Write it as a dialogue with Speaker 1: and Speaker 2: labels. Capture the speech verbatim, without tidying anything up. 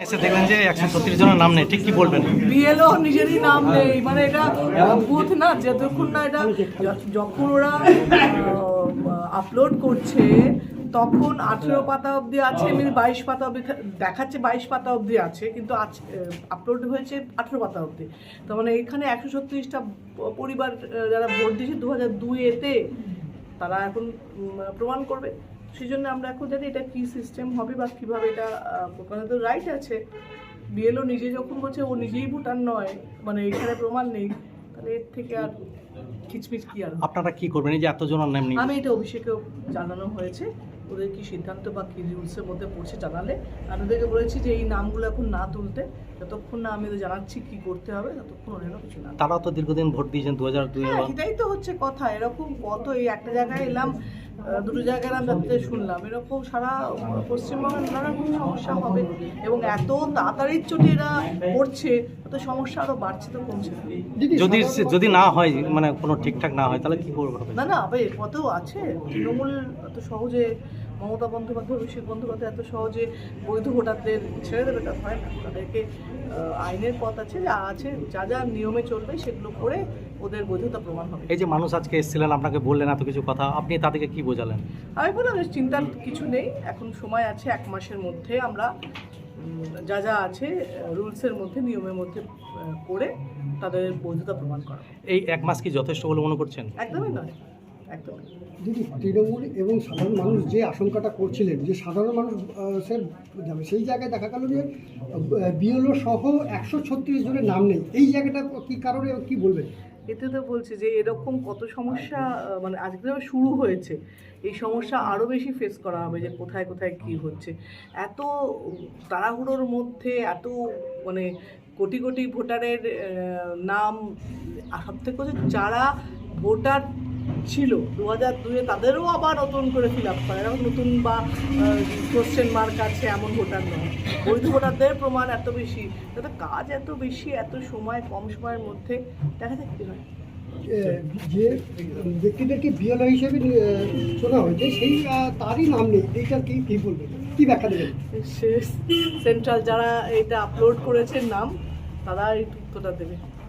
Speaker 1: এসে দেখলেন যে একশো ছত্রিশ জনের নাম নেই, ঠিক কি বলবেন?
Speaker 2: বিএলও নিজেরই নাম নেই, মানে এটা বুথ না, যতক্ষণ না এটা যখন ওরা আপলোড করছে তখন আঠেরো পাতা অবধি আছে, এমনি বাইশ পাতা অবধি দেখাচ্ছে, বাইশ পাতা অবধি আছে, কিন্তু আপলোড হয়েছে আঠেরো পাতা অবধি। তার মানে এখানে একশো ছত্রিশটা পরিবার যারা ভোট দিয়েছে দু হাজার দুই এতে, তারা এখন প্রমাণ করবে। সেই জন্য আমরা এখন জানি এটা কী সিস্টেম হবে বা কীভাবে এটা, ওখানে তো রাইট আছে। বিএলও নিজে যখন বলছে ও নিজেই ভোটার নয়, মানে এখানে প্রমাণ নেই, তাহলে এর থেকে আর খিচমিচ কি আর।
Speaker 1: আপনারা কি করবেন এই যে এতজনের নাম নেই?
Speaker 2: আমি এটা অভিষেকেও জানানো হয়েছে, ওদের কি সিদ্ধান্ত বা কী রুলসের মধ্যে পড়ছে জানালে আমি ওদেরকে বলেছি যে এই নামগুলো এখন না তুলতে, যতক্ষণ না আমি ওদের জানাচ্ছি কী করতে হবে ততক্ষণ ওরা কিছু না।
Speaker 1: তারাও তো দীর্ঘদিন ভোট দিয়েছেন দু হাজার দুই।
Speaker 2: হ্যাঁ, এটাই তো হচ্ছে কথা। এরকম কত, এই একটা জায়গায় এলাম, দুটো জায়গায় আমি যাতে শুনলাম, এরকম সারা পশ্চিমবঙ্গের নানা রকম সমস্যা হবে, এবং এত তাড়াতাড়ির চোটে এরা পড়ছে, এত সমস্যা আরও বাড়ছে তো কমছে না।
Speaker 1: যদি যদি না হয়, মানে কোনো ঠিকঠাক না হয়, তাহলে কি করবে?
Speaker 2: না না, আবার এর পথেও আছে। তৃণমূল এত সহজে, মমতা বন্দ্যোপাধ্যায়, অভিষেক বন্দ্যোপাধ্যায় এত সহজে বৈধ ভোটারদের ছেড়ে দেবে তা হয় না। তাদেরকে আইনের পথ আছে, যা আছে, যা যা নিয়মে চলবে সেগুলো করে ওদের বৈধতা প্রমাণ হবে।
Speaker 1: এই যে মানুষ আজকে এসেছিলেন, আপনাকে বললেন এত কিছু কথা, আপনি তাদেরকে কি বোঝালেন?
Speaker 2: আমি বললাম যে চিন্তার কিছু নেই, এখন সময় আছে, এক মাসের মধ্যে আমরা যা যা আছে রুলসের মধ্যে, নিয়মের মধ্যে করে তাদের বৈধতা প্রমাণ করা।
Speaker 1: এই এক মাস কি যথেষ্ট বলে মনে করছেন?
Speaker 2: একদমই নয়, একদম।
Speaker 3: দিদি, তৃণমূল এবং সাধারণ মানুষ যে আশঙ্কাটা করছিলেন যে সাধারণ মানুষ সে যাবে, সেই জায়গায় দেখা গেল যে বিএলও সহ একশো ছত্রিশ জনের নাম নেই। এই জায়গাটা কী কারণে, কী বলবেন?
Speaker 2: এতে তো বলছে যে এরকম কত সমস্যা, মানে আজকে শুরু হয়েছে, এই সমস্যা আরও বেশি ফেস করা হবে, যে কোথায় কোথায় কী হচ্ছে। এত তাড়াহুড়োর মধ্যে এত, মানে কোটি কোটি ভোটারের নাম, সব থেকে হচ্ছে যারা ভোটার ছিল দু হাজার দুয়ে তাদেরও আবার নতুন করে ফিল আপ করে, এরকম নতুন বা কোশ্চেন মার্ক আছে এমন ভোটার নয়। বৈধ ভোটারদের প্রমাণ এত বেশি, তাতে কাজ এত বেশি, এত সময় কম সময়ের মধ্যে, দেখা যাক কী হয়।
Speaker 3: যে ব্যক্তিদেরকে বিএলও হিসেবে শোনা হয়েছে, সেই তারই নাম নেই, এইটা কি কী বলবেন, কী ব্যাখ্যা দেবেন?
Speaker 2: সেন্ট্রাল যারা এটা আপলোড করেছে নাম, তারা এই তথ্যটা দেবে।